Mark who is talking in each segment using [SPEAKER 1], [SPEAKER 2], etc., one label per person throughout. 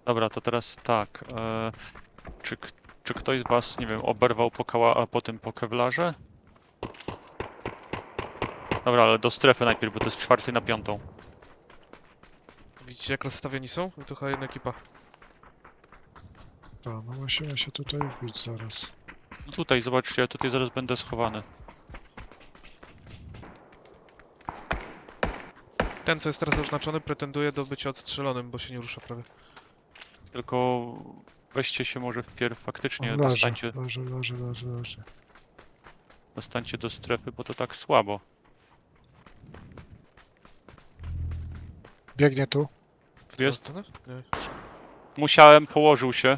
[SPEAKER 1] Dobra, to teraz tak. Czy, czy ktoś z was, nie wiem, oberwał a potem po kewlarze? Dobra, ale do strefy najpierw, bo to jest 4 na 5.
[SPEAKER 2] Widzicie jak rozstawieni są? No to chyba jedna ekipa.
[SPEAKER 3] Tak, no musimy się tutaj wbić zaraz.
[SPEAKER 1] No tutaj, zobaczcie, ja tutaj zaraz będę schowany.
[SPEAKER 2] Ten co jest teraz oznaczony pretenduje do bycia odstrzelonym, bo się nie rusza prawie.
[SPEAKER 1] Tylko weźcie się może wpierw faktycznie,
[SPEAKER 3] On leży, leży.
[SPEAKER 1] dostańcie do strefy, bo to tak słabo.
[SPEAKER 3] Biegnie tu.
[SPEAKER 2] W którą
[SPEAKER 1] Jest?
[SPEAKER 2] stronę? Nie.
[SPEAKER 1] Musiałem, położył się.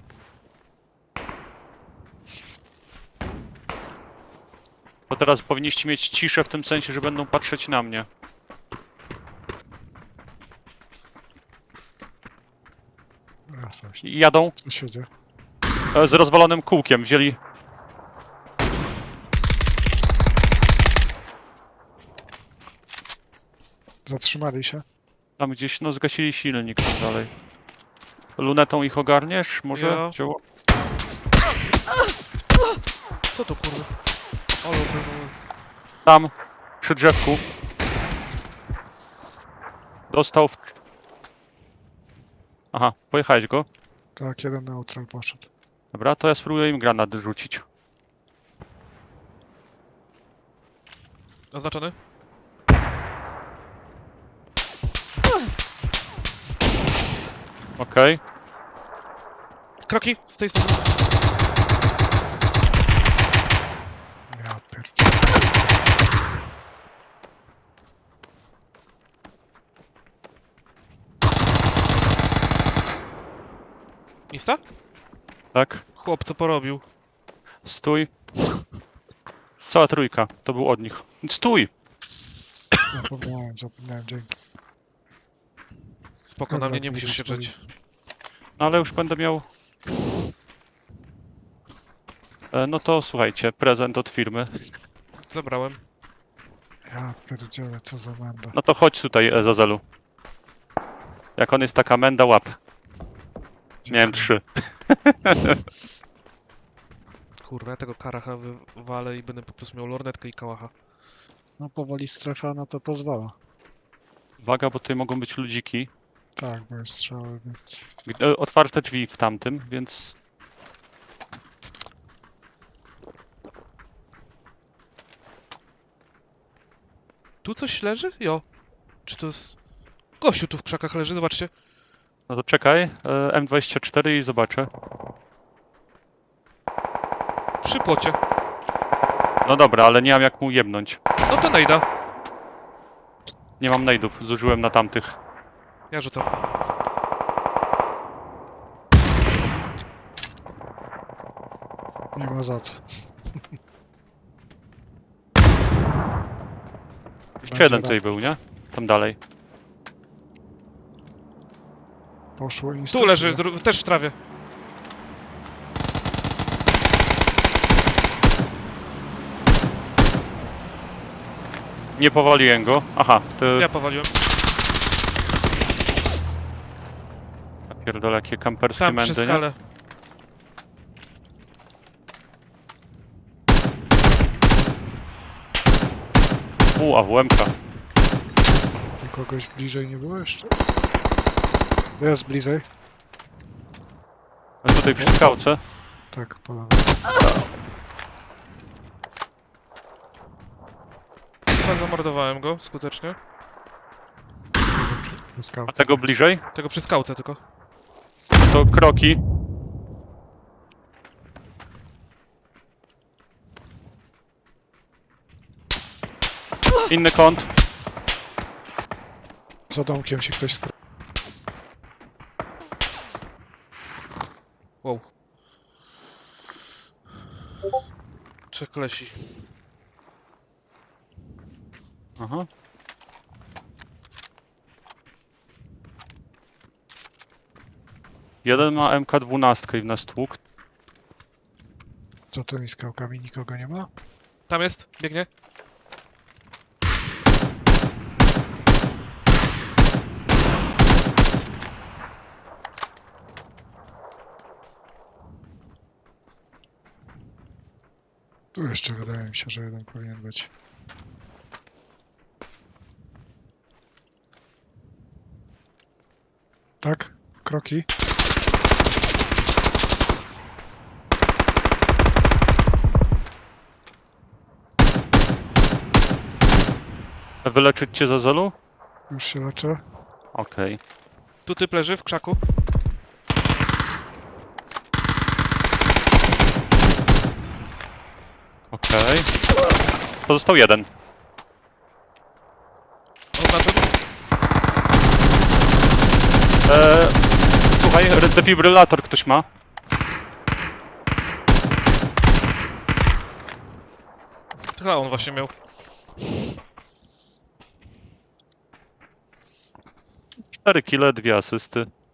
[SPEAKER 1] Bo teraz powinniście mieć ciszę w tym sensie, że będą patrzeć na mnie. I jadą
[SPEAKER 3] Co się dzieje?
[SPEAKER 1] z rozwalonym kółkiem, wzięli...
[SPEAKER 3] Zatrzymali się.
[SPEAKER 1] Tam gdzieś, no zgasili silnik tam dalej. Lunetą ich ogarniesz? Może?
[SPEAKER 2] Ja.
[SPEAKER 1] Dzieło?
[SPEAKER 2] Co to kurwa? Ale obrywamy.
[SPEAKER 1] Tam, przy drzewku. Dostał w... Aha, pojechałeś go.
[SPEAKER 3] Tak, jeden neutral poszedł.
[SPEAKER 1] Dobra, to ja spróbuję im granat rzucić.
[SPEAKER 2] Oznaczony?
[SPEAKER 1] Okej.
[SPEAKER 2] Kroki z tej strony.
[SPEAKER 3] Ja pierdolę.
[SPEAKER 2] Insta?
[SPEAKER 1] Tak.
[SPEAKER 2] Chłop co porobił.
[SPEAKER 1] Stój. Cała trójka. To był od nich. Stój!
[SPEAKER 3] Zapomniałem, dzięki.
[SPEAKER 2] Spoko, na
[SPEAKER 3] Dobra,
[SPEAKER 2] mnie nie musisz się
[SPEAKER 3] stoi.
[SPEAKER 2] drzeć.
[SPEAKER 1] No ale już będę miał... No to słuchajcie, prezent od firmy.
[SPEAKER 2] Zabrałem.
[SPEAKER 3] Ja pierdzielę, co za menda.
[SPEAKER 1] No to chodź tutaj, Zazelu. Jak on jest taka menda, łap. Miałem 3.
[SPEAKER 2] Kurwa, ja tego karacha wywalę i będę po prostu miał lornetkę i kałacha.
[SPEAKER 3] No powoli strefa na to pozwala.
[SPEAKER 1] Uwaga, bo tutaj mogą być ludziki.
[SPEAKER 3] Tak, bo jest strzały, więc...
[SPEAKER 1] Otwarte drzwi w tamtym, więc...
[SPEAKER 2] Tu coś leży? Jo. Czy to jest... Gościu tu w krzakach leży, zobaczcie.
[SPEAKER 1] No to czekaj, M24 i zobaczę.
[SPEAKER 2] Przy płocie.
[SPEAKER 1] No dobra, ale nie mam jak mu jebnąć.
[SPEAKER 2] No to nejda.
[SPEAKER 1] Nie mam nade'ów, zużyłem na tamtych.
[SPEAKER 2] Ja rzucam.
[SPEAKER 3] Nie ma za co.
[SPEAKER 1] Jeszcze jeden tutaj był, nie? Tam dalej.
[SPEAKER 3] Poszło i
[SPEAKER 2] Tu leży, też w trawie.
[SPEAKER 1] Nie powaliłem go. Aha, to...
[SPEAKER 2] Ja powaliłem.
[SPEAKER 1] Ja pierdolę, jakie kamperskie
[SPEAKER 2] Tam przy
[SPEAKER 1] mędy, nie?
[SPEAKER 2] skale.
[SPEAKER 1] AWM-ka.
[SPEAKER 3] Tu kogoś bliżej nie było jeszcze? Jest bliżej.
[SPEAKER 1] A tutaj przy skałce.
[SPEAKER 3] Tak, po lewej.
[SPEAKER 2] Chyba zamordowałem go skutecznie.
[SPEAKER 3] Na skałce.
[SPEAKER 1] A tego bliżej?
[SPEAKER 2] Tego przy skałce tylko.
[SPEAKER 1] To kroki. Inny kąt.
[SPEAKER 3] Za domkiem się ktoś skrył.
[SPEAKER 2] Wow. Trzech kolesi.
[SPEAKER 1] Aha. Jeden ma MK12 i w nas tłuk.
[SPEAKER 3] Za tymi skałkami nikogo nie ma?
[SPEAKER 2] Tam jest, biegnie.
[SPEAKER 3] Tu jeszcze wydaje mi się, że jeden powinien być. Tak? Kroki?
[SPEAKER 1] Wyleczyć cię za zelu?
[SPEAKER 3] Już się leczę.
[SPEAKER 1] Okej.
[SPEAKER 2] Tu typ leży w krzaku.
[SPEAKER 1] Okej. Pozostał jeden.
[SPEAKER 2] Oznaczony.
[SPEAKER 1] Słuchaj, defibrylator ktoś ma.
[SPEAKER 2] Chyba on właśnie miał.
[SPEAKER 1] 4 kile, 2 asysty.